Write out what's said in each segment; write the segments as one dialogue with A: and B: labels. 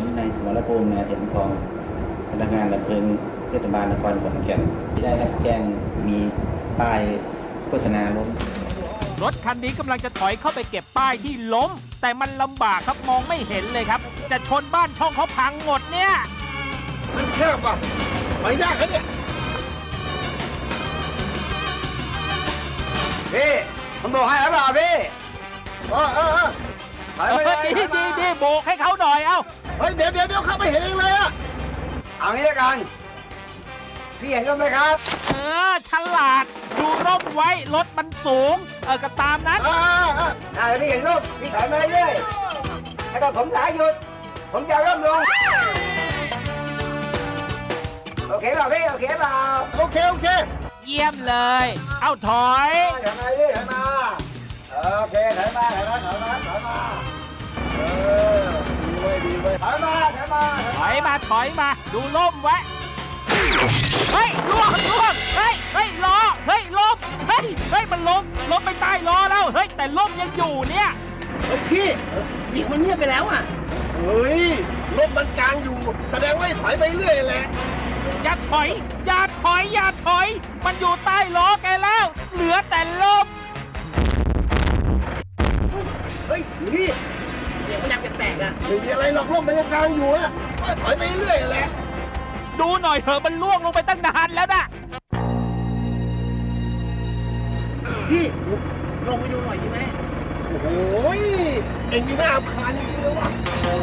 A: ผมในสมรภูมินาเถียนทองพนักงานดับเพลิงเทศบาลนครขอนแก่นที่ได้รับแจ้งมีป้ายโฆษณาล้ม
B: รถคันนี้กำลังจะถอยเข้าไปเก็บป้ายที่ล้มแต่มันลำบากครับมองไม่เห็นเลยครับจะชนบ้านช่องเขาพังหมดเนี่ย
C: มันแคบว่ะไม่ได้ครับเนี่ย
D: พี่ผมบอกให้แล้วเปล่าพี่
B: ดีโบกให้เขาหน่อยเอ้า
C: เฮ้ยเดี๋ยวเข้าไปเห็นเองเลยอะ
D: เอางี้ละกันพี่เห็นร่มไหมครับ
B: ฉลาดดูร่มไว้รถมันสูงก็ตามนั้น
D: ได้พี่เห็นร่มพี่ถอยมาเรื่อยๆให้ผมสายหยุดผมจะร่มลงโอเคเปล่าพี่โอเคเปล่า
C: โอเค
B: เยี่ยมเลยเอาถอย
D: ถอยมาเรื่อยถอยมาโอเคถอยมาดีเว้ยถอย
B: มาดูล่มไว้เฮ้ยล่วงเฮ้ยล้อเฮ้ยล้มเฮ้ยมันล้มไปใต้ล้อแล้วเฮ้ยแต่ล่มยังอยู่เนี่ย
D: พี่เสียงมันเงียบไปแล้วอ่ะ
C: เฮ้ยรถมันกลางอยู่แสดงว่าถอยไปเรื่อยแหละ
B: อย่าถอยมันอยู่ใต้ล้อแกแล้วเหลือแต่ล่ม
D: เฮ้ยพี่เสียงมันดังแปลกๆอ่ะ
C: ไม่มีอะไรหรอกรถมันยังกลางอยู่อะถอยไปเรื่อยแหละ
B: ดูหน่อยเถอะมันล่วงลงไปตั้งนานแล้วนะ
D: พี่ลงไปดูหน่อยดีไหม
C: โอ้ยเอ็งนี่น่าอับคาญจริงๆเลยว่ะ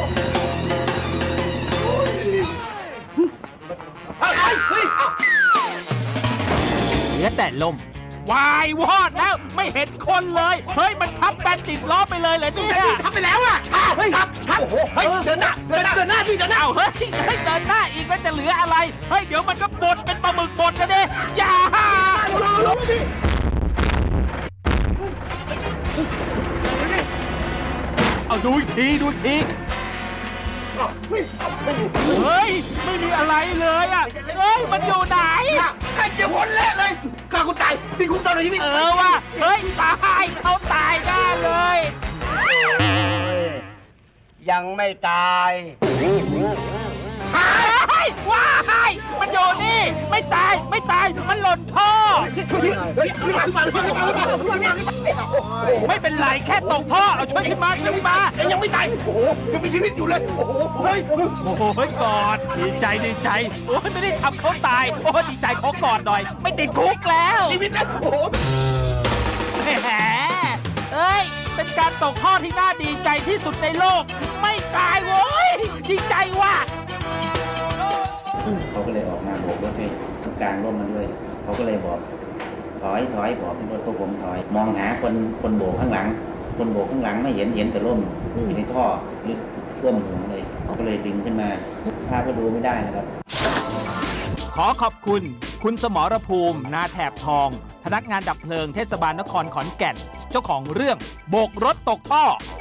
B: เหลือแต่ลมวายวอดแล้วไม่เห็นคนเลยเฮ้ยมันทับแบนติดล้อไปเลยเลยเนี่ย
D: ทับไปแล้วอ่ะเฮ้ยทับโอ้โหเฮ้ยเดินหน้าพี่เดินหน้า
B: เฮ้ยเดินหน้าอีกแล้วจะเหลืออะไรเฮ้ยเดี๋ยวมันก็บดเป็นปลาหมึกบดกันดิอย่าเอาดูอีกทีเฮ้ยไม่มีอะไรเลยอ่ะเฮ้ยมันอยู่ไหน
C: ไอ้เจ้าคนเละเลยข้าคุณตายพี่คุณตอนไหนพี่
B: ว่ะเฮ้ยตายเขาตายแน่เลย
D: ยังไม่ตาย
B: ว้ายมันอยู่นี่ไม่ตายมันหล่นท่อไม่เป็นไรแค่ตกท่อเอาช่วยขึ้นมา
C: ยังไม่ตายโอ้โหยังมีชีวิตอยู่เลยโอ้โหเ
B: ฮ้ยกอดดีใจโอ้ยไม่ได้ทำเขาตายโอ้ดีใจเขากอดหน่อยไม่ติดคุกแล้ว
C: ชีวิตนะโอ้โห
B: แหมเอ้ยเป็นการตกท่อที่น่าดีใจที่สุดในโลกไม่ตายโว้ยดีใจว่ะ
A: เขาก็เลยออกมาโบกรถให้กลางร่มมันด้วยเขาก็เลยบอกถอยบอกให้รถพวกผมถอยมองหาคนโบกข้างหลังไม่เห็นแต่ร่มอยู่ในท่อลึกท่วมหัวเลยเขาก็เลยดึงขึ้นมาภาพก็ดูไม่ได้นะครับ
B: ขอขอบคุณสมรภูมินาแถบทองพนักงานดับเพลิงเทศบาลนครขอนแก่นเจ้าของเรื่องโบกรถตกท่อ